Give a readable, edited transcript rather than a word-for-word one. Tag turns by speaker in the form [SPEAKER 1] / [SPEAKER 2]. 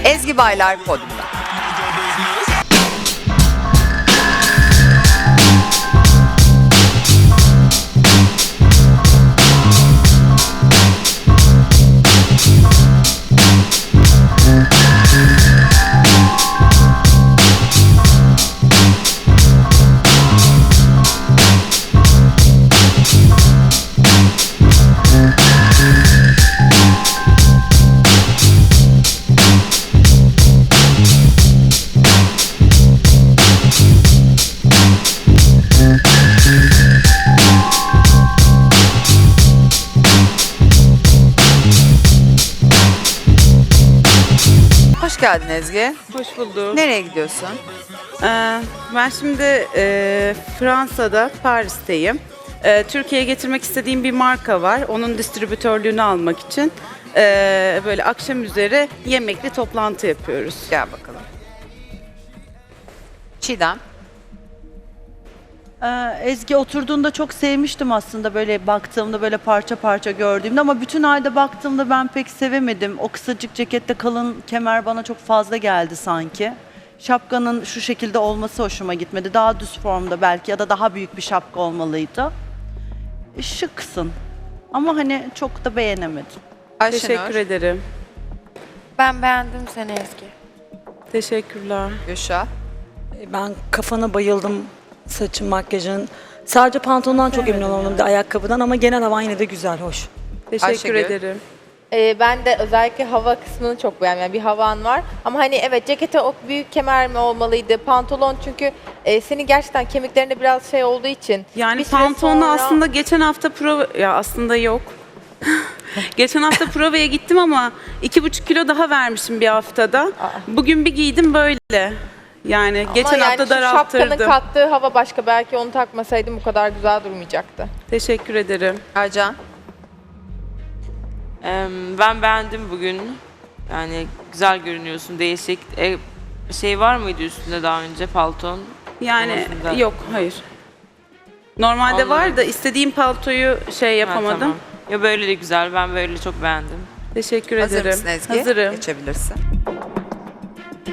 [SPEAKER 1] Ezgi Baylar podyumda. Hoş geldin Ezgi.
[SPEAKER 2] Hoş bulduk.
[SPEAKER 1] Nereye gidiyorsun?
[SPEAKER 2] Ben şimdi Fransa'da, Paris'teyim. Türkiye'ye getirmek istediğim bir marka var. Onun distribütörlüğünü almak için böyle akşam üzeri yemekli toplantı yapıyoruz.
[SPEAKER 1] Gel bakalım. Çiğdem.
[SPEAKER 3] Ezgi oturduğunda çok sevmiştim aslında böyle baktığımda böyle parça parça gördüğümde ama bütün ayda baktığımda ben pek sevemedim. O kısacık cekette kalın kemer bana çok fazla geldi sanki. Şapkanın şu şekilde olması hoşuma gitmedi. Daha düz formda belki ya da daha büyük bir şapka olmalıydı. Şıksın ama hani çok da beğenemedim.
[SPEAKER 1] Ayşenur.
[SPEAKER 2] Teşekkür ederim.
[SPEAKER 4] Ben beğendim seni Ezgi.
[SPEAKER 2] Teşekkürler.
[SPEAKER 1] Gülşah.
[SPEAKER 5] Ben kafana bayıldım, saçın, makyajın. Sadece pantolondan çok emin olamadım, bir de ayakkabıdan ama genel havan yine de güzel, hoş.
[SPEAKER 2] Teşekkür
[SPEAKER 1] Ayşegül.
[SPEAKER 2] ederim.
[SPEAKER 4] Ben de özellikle hava kısmını çok beğendim. Yani bir havan var. Ama hani evet cekete o büyük kemer mi olmalıydı? Pantolon çünkü senin gerçekten kemiklerinde biraz şey olduğu için.
[SPEAKER 2] Yani
[SPEAKER 4] bir süre
[SPEAKER 2] pantolonu
[SPEAKER 4] sonra-
[SPEAKER 2] aslında geçen hafta ya aslında yok. Geçen hafta provaya gittim ama 2,5 kilo daha vermişim bir haftada. Bugün bir giydim böyle. Yani geçen
[SPEAKER 4] Ama
[SPEAKER 2] hafta
[SPEAKER 4] yani şu şapkanın
[SPEAKER 2] daralttırdım.
[SPEAKER 4] kattığı hava başka. Belki onu takmasaydım bu kadar güzel durmayacaktı.
[SPEAKER 2] Teşekkür ederim.
[SPEAKER 1] Ercan.
[SPEAKER 6] Ben beğendim bugün. Yani güzel görünüyorsun, değişik. Şey var mıydı üstünde daha önce palton?
[SPEAKER 2] Yani
[SPEAKER 6] Olmasın da.
[SPEAKER 2] yok, hayır. Normalde
[SPEAKER 6] Anladım.
[SPEAKER 2] var da istediğim paltoyu
[SPEAKER 6] Ha,
[SPEAKER 2] yapamadım.
[SPEAKER 6] tamam. Ya böyle de güzel, ben böyle çok beğendim.
[SPEAKER 2] Teşekkür
[SPEAKER 1] Hazır
[SPEAKER 2] ederim.
[SPEAKER 1] mısın Ezgi?
[SPEAKER 2] Hazırım.
[SPEAKER 1] Geçebilirsin.